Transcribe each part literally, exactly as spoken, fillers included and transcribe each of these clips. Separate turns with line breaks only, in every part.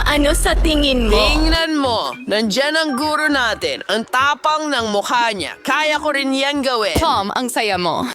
Ano sa tingin mo?
Tingnan mo, nandyan ang guro natin. Ang tapang ng mukha niya. Kaya ko rin yan gawin.
Tom, ang saya mo.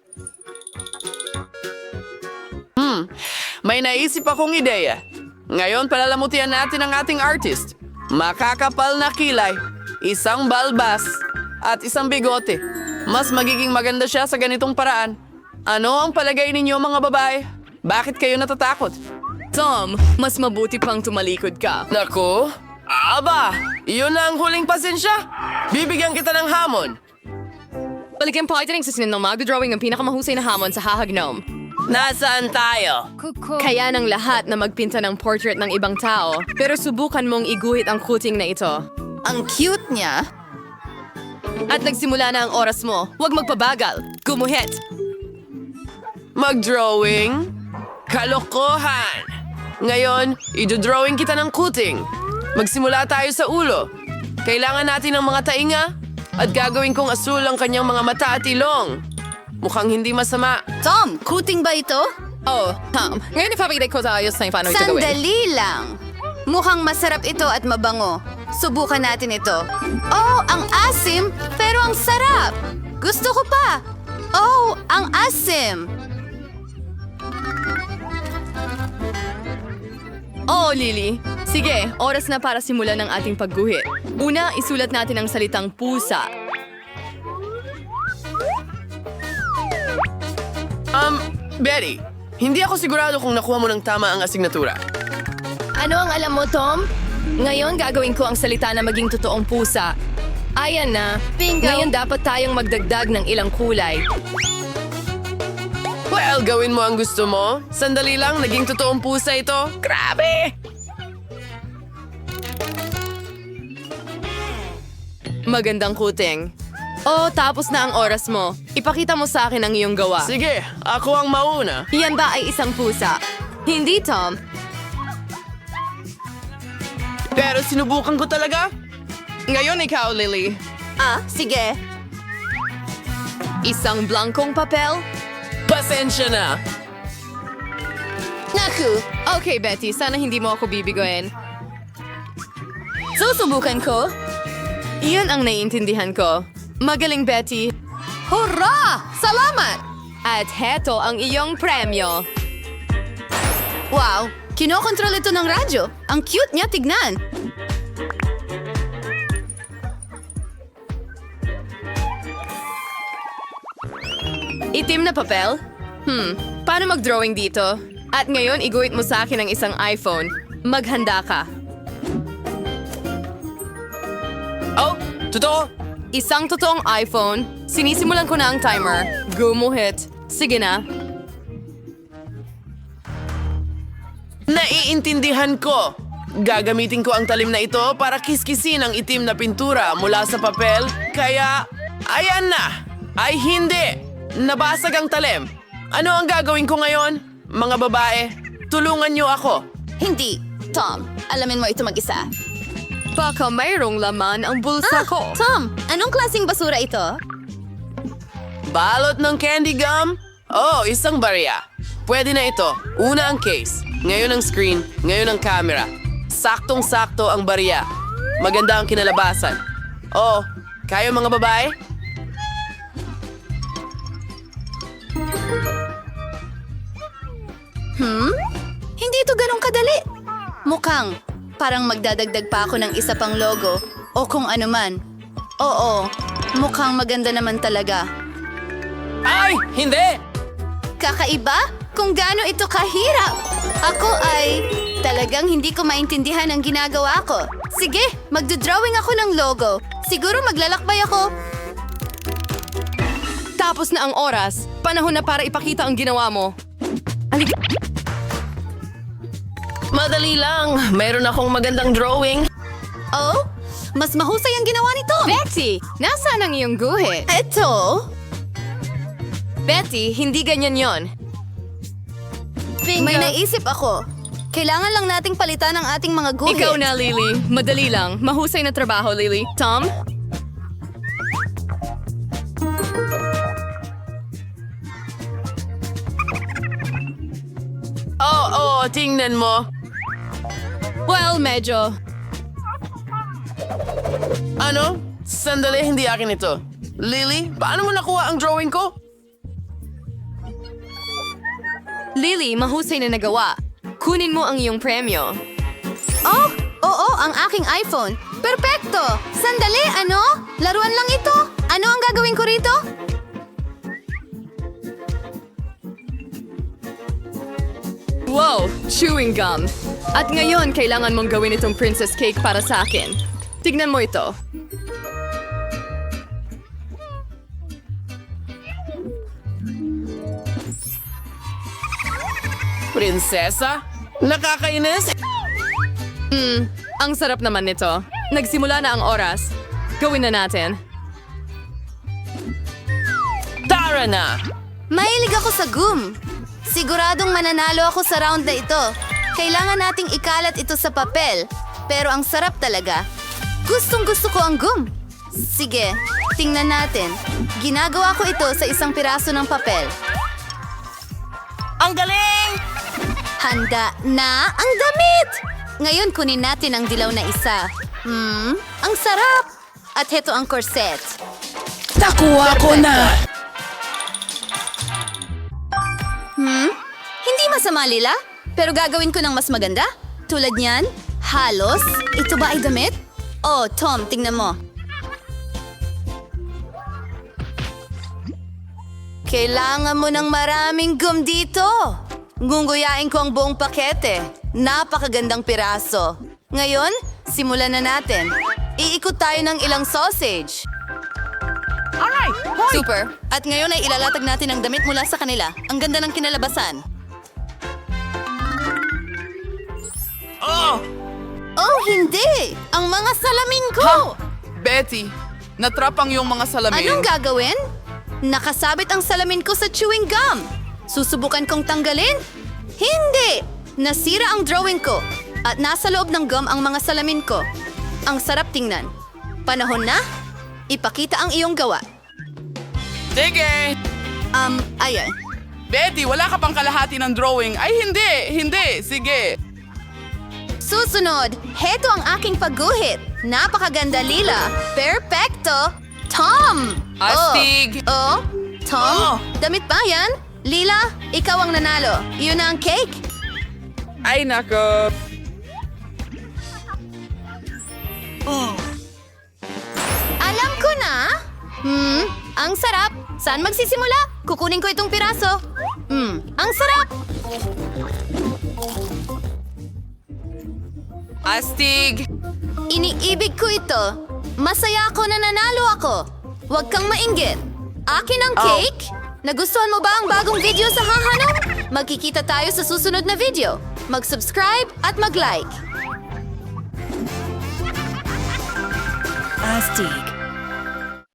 Hmm, may naisip akong ideya. Ngayon, palalamutian natin ang ating artist. Makakapal na kilay, isang balbas, at isang bigote. Mas magiging maganda siya sa ganitong paraan. Ano ang palagay ninyo mga babae? Bakit kayo natatakot?
Tom, mas mabuti pang tumalikod ka.
Naku, aba, iyon na ang huling pasensya. Bibigyan kita ng hamon.
Balikan po ito ng sasinin ng magdodrawing ng pinakamahusay na hamon sa hahagnom.
Nasaan tayo?
Kaya ng lahat na magpinta ng portrait ng ibang tao, pero subukan mong iguhit ang kuting na ito.
Ang cute niya.
At nagsimula na ang oras mo. Huwag magpabagal. Gumuhit.
Mag-drawing? Kalokohan! Ngayon, idodrawing kita ng kuting. Magsimula tayo sa ulo. Kailangan natin ng mga tainga at gagawin kong asul ang kanyang mga mata at ilong. Mukhang hindi masama.
Tom, kuting ba ito?
Oh, Tom. Ngayon ipapakita ko sa ayos na paano ito gawin.
Sandali lang. Mukhang masarap ito at mabango. Subukan natin ito. Oh, ang asim, pero ang sarap. Gusto ko pa. Oh, ang asim.
Oh, Lily. Sige, oras na para simulan ng ating pagguhit. Una, isulat natin ang salitang pusa.
Um, Betty, hindi ako sigurado kung nakuha mo ng tama ang asignatura.
Ano ang alam mo, Tom? Ngayon gagawin ko ang salita na maging totoong pusa. Ayan na.
Bingo.
Ngayon dapat tayong magdagdag ng ilang kulay.
Well, gawin mo ang gusto mo. Sandali lang, naging totoong pusa ito. Grabe!
Magandang kuting. Oh, tapos na ang oras mo. Ipakita mo sa akin ang iyong gawa.
Sige, ako ang mauna.
Yan ba ay isang pusa? Hindi, Tom.
Pero sinubukan ko talaga.
Ngayon ikaw, Lily.
Ah, sige.
Isang blankong papel?
Pasensya na.
Naku,
Okay, Betty. Sana hindi mo ako bibigoyin.
susubukan ko.
Iyon ang naiintindihan ko. Magaling, Betty.
Hurra! Salamat!
At heto ang iyong premyo.
Wow, kinokontrol ito ng radyo. Ang cute niya, tignan.
Itim na papel? Hmm, paano mag-drawing dito? At ngayon, iguhit mo sa akin ang isang iPhone. Maghanda ka.
Oh, totoo?
Isang totoong iPhone. Sinisimulan ko na ang timer. Gumuhit. Sige na.
Naiintindihan ko. Gagamitin ko ang talim na ito para kiskisin ang itim na pintura mula sa papel. Kaya, ayan na. Ay hindi. Nabasag ang talim. Ano ang gagawin ko ngayon? Mga babae, tulungan niyo ako.
Hindi. Tom, alamin mo ito mag-isa.
Baka mayroong laman ang bulsa ko.
Tom, anong klaseng basura ito?
Balot ng candy gum? Oh, isang barya. Pwede na ito. Una ang case, ngayon ang screen, ngayon ang camera. Saktong-sakto ang barya. Maganda ang kinalabasan. Oh, kayo mga babae?
Hmm? Hindi ito ganun kadali. Mukhang parang magdadagdag pa ako ng isa pang logo o kung ano man. Oo, mukhang maganda naman talaga.
Ay, hindi!
Kakaiba? Kung gaano ito kahirap. Ako ay talagang hindi ko maintindihan ang ginagawa ko. Sige, magdodrawing ako ng logo. Siguro maglalakbay ako.
Tapos na ang oras. Panahon na para ipakita ang ginawa mo. Halika.
Madali lang. Mayroon akong magandang drawing.
Oh, mas mahusay ang ginawa ni Tom.
Betty, nasaan ang iyong guhit?
Ito?
Betty, hindi ganyan yon.
May naisip ako. Kailangan lang nating palitan ang ating mga guhit.
Ikaw na, Lily. Madali lang. Mahusay na trabaho, Lily. Tom?
Oo, oh, tingnan mo.
Well, Well, medyo.
Ano? Sandali, hindi akin ito. Lily, paano mo nakuha ang drawing ko?
Lily, mahusay na nagawa. Kunin mo ang iyong premyo.
Oh, oo, ang aking iPhone. Perpekto! Sandali, ano? Laruan lang ito. Ano ang gagawin ko rito?
Wow, chewing gum. At ngayon, kailangan mong gawin itong princess cake para sa akin. Tignan mo ito.
Prinsesa? Nakakainis?
Hmm, ang sarap naman nito. Nagsimula na ang oras. Gawin na natin.
Tara na!
Mahilig ako sa gum. Siguradong mananalo ako sa round na ito. Kailangan nating ikalat ito sa papel. Pero ang sarap talaga. Gustong gusto ko ang gum. Sige, tingnan natin. Ginagawa ko ito sa isang piraso ng papel.
Ang galing!
Handa na ang damit! Ngayon kunin natin ang dilaw na isa. Hmm, ang sarap! At heto ang corset.
Nakuha ko na!
Hmm? Hindi masama, Lila. Pero gagawin ko ng mas maganda. Tulad niyan, halos. Ito ba ay damit? Oh, Tom, tingnan mo. Kailangan mo ng maraming gum dito. Ngunguyain ko ang buong pakete. Napakagandang piraso. Ngayon, simulan na natin. Iikot tayo ng ilang sausage. Super. At ngayon ay ilalatag natin ang damit mula sa kanila. Ang ganda ng kinalabasan.
Oh!
Oh, hindi! Ang mga salamin ko!
Betty, natrap ang iyong mga salamin.
Anong gagawin? Nakasabit ang salamin ko sa chewing gum. Susubukan kong tanggalin? Hindi! Nasira ang drawing ko. At nasa loob ng gum ang mga salamin ko. Ang sarap tingnan. Panahon na? Ipakita ang iyong gawa.
Sige!
Um, ayan.
Betty, wala ka pang kalahati ng drawing. Ay, hindi! Hindi! Sige!
Susunod, heto ang aking pagguhit. Napakaganda, Lila. Perfecto! Tom!
Astig!
Oh, oh. Tom,
Oh.
damit ba yan? Lila, ikaw ang nanalo. Iyon na ang cake.
Ay, nako!
Alam ko na. Hmm, ang sarap. Saan magsisimula? Kukunin ko itong piraso. Hmm, ang sarap.
Astig!
Iniibig ko ito. Masaya ako na nanalo ako. Huwag kang mainggit. Akin ang cake. Nagustuhan mo ba ang bagong video sa Hahanap? Magkikita tayo sa susunod na video. Mag-subscribe at mag-like.
Astig.